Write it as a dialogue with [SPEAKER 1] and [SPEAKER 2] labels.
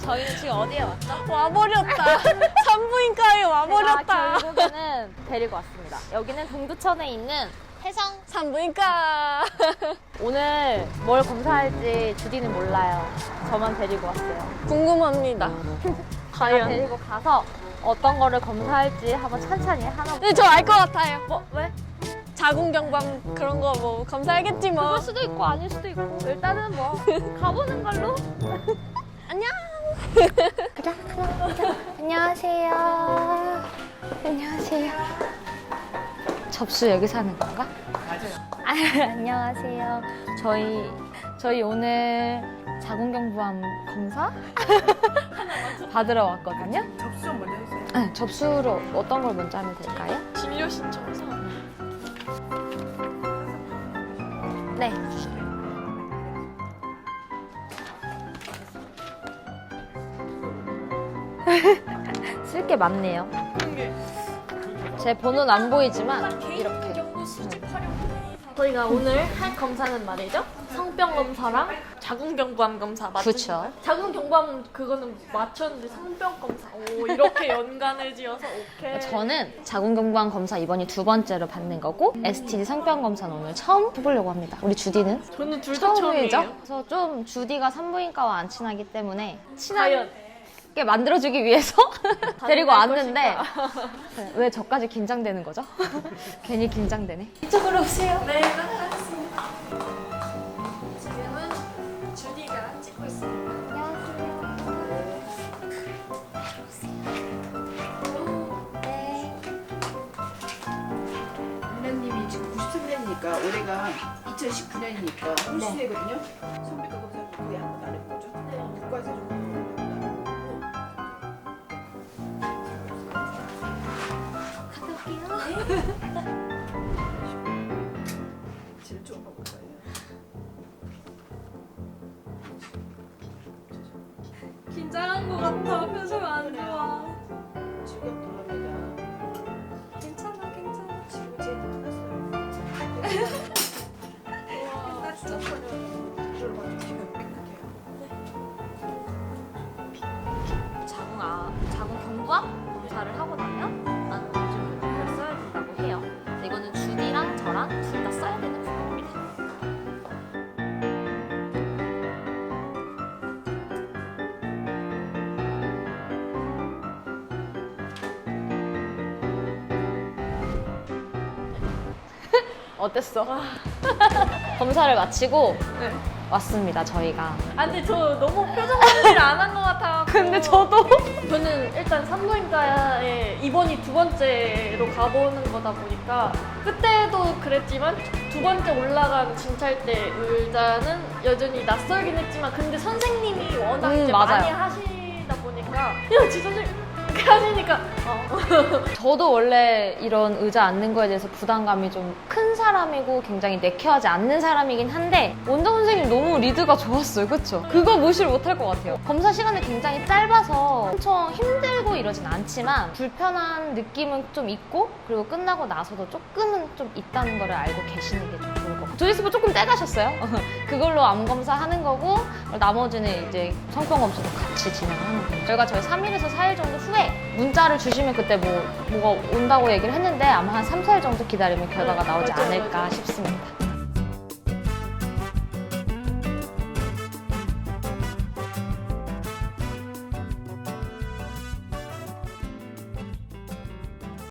[SPEAKER 1] 저희는 지금 어디에 왔죠?
[SPEAKER 2] 와버렸다. 산부인과에 와버렸다.
[SPEAKER 1] 결국에는 데리고 왔습니다. 여기는 동두천에 있는 해성.
[SPEAKER 2] 산부인과.
[SPEAKER 1] 오늘 뭘 검사할지 주디는 몰라요. 저만 데리고 왔어요.
[SPEAKER 2] 궁금합니다.
[SPEAKER 1] 제가
[SPEAKER 2] 과연.
[SPEAKER 1] 데리고 가서 어떤 거를 검사할지 한번 천천히 하나.
[SPEAKER 2] 근데 저 알 것 같아요.
[SPEAKER 1] 뭐 왜?
[SPEAKER 2] 자궁경부암 그런 거 뭐 검사하겠지 뭐.
[SPEAKER 1] 그럴 수도 있고 아닐 수도 있고 일단은 뭐 가보는 걸로.
[SPEAKER 2] 안녕.
[SPEAKER 1] 가자. 안녕하세요. 안녕하세요. 접수 여기서 하는 건가? 맞아요. 안녕하세요. 저희 오늘 자궁경부암 검사 받으러 왔거든요.
[SPEAKER 3] 접수 좀 먼저 해주세요.
[SPEAKER 1] 네, 접수로 어떤 걸 먼저 하면 될까요?
[SPEAKER 2] 진료 신청서.
[SPEAKER 1] 네. 쓸 게 많네요. 제 번호는 안 보이지만 이렇게.
[SPEAKER 2] 저희가 오늘 할 검사는 말이죠. 성병 검사랑 자궁경부암 검사 맞죠?
[SPEAKER 1] 그쵸.
[SPEAKER 2] 자궁경부암 그거는 맞췄는데 성병 검사. 오 이렇게 연관을 지어서 오케이.
[SPEAKER 1] 저는 자궁경부암 검사 이번이 2번째로 받는 거고 STD 성병 검사는 오늘 처음 해보려고 합니다. 우리 주디는?
[SPEAKER 2] 저는 둘 다
[SPEAKER 1] 처음이죠?
[SPEAKER 2] 처음이에요.
[SPEAKER 1] 그래서 좀 주디가 산부인과와 안 친하기 때문에
[SPEAKER 2] 과연
[SPEAKER 1] 친하게 만들어주기 위해서 데리고
[SPEAKER 2] 가능할
[SPEAKER 1] 왔는데
[SPEAKER 2] 것인가?
[SPEAKER 1] 왜 저까지 긴장되는 거죠? 괜히 긴장되네.
[SPEAKER 2] 이쪽으로 오세요. 네, 따라가겠습니다. 지금은 주디가 찍고 있습니다.
[SPEAKER 3] 민나님이 지금 93년이니까 올해가 2019년이니까 홀수되거든요. 성비과 검사를 거의 한 번도 안 해본 거죠? 네. 육과에서 좀 질 좀 봐볼까요?
[SPEAKER 2] 긴장한 것 같아. 표정 안 좋아.
[SPEAKER 3] 지겹더랍니다.
[SPEAKER 2] 괜찮아, 괜찮아.
[SPEAKER 3] 지금 제일 끝났어요. 끝났죠? 들어봐주시면 깨끗해요.
[SPEAKER 1] 자궁 경부암 검사를 하고 나면 나는 요즘 이걸 써야 된다고 해요. 근데 이거는 주디랑 저랑 둘 다 써야 되는 부분입니다. 어땠어? 검사를 마치고
[SPEAKER 2] 네.
[SPEAKER 1] 왔습니다, 저희가.
[SPEAKER 2] 아 근데 저 너무 표정 관리를 안 한 것 같아.
[SPEAKER 1] 근데 저도
[SPEAKER 2] 저는 일단 산부인과에 이번이 2번째로 가보는 거다 보니까 그때도 그랬지만 2번째 올라간 진찰 때 의자는 여전히 낯설긴 했지만 근데 선생님이 워낙 이제
[SPEAKER 1] 맞아요.
[SPEAKER 2] 많이 하시다 보니까 야 지 선생님 이렇게 하시니까
[SPEAKER 1] 저도 원래 이런 의자 앉는 거에 대해서 부담감이 좀 큰 사람이고 굉장히 내켜하지 않는 사람이긴 한데 원장 선생님 너무 리드가 좋았어요. 그쵸? 그거 무시를 못할 것 같아요. 검사 시간이 굉장히 짧아서 엄청 힘들고 이러진 않지만 불편한 느낌은 좀 있고 그리고 끝나고 나서도 조금은 좀 있다는 거를 알고 계시는 게 좀 좋을 것 같아요. 조이스부 조금 떼가셨어요. 그걸로 암 검사하는 거고 나머지는 이제 성병 검사도 같이 진행하는 거예요. 저희가 3일에서 4일 정도 후에 문자를 주시면 그때 뭐가 온다고 얘기를 했는데 아마 한 3, 4일 정도 기다리면 결과가 나오지 않을까 싶습니다.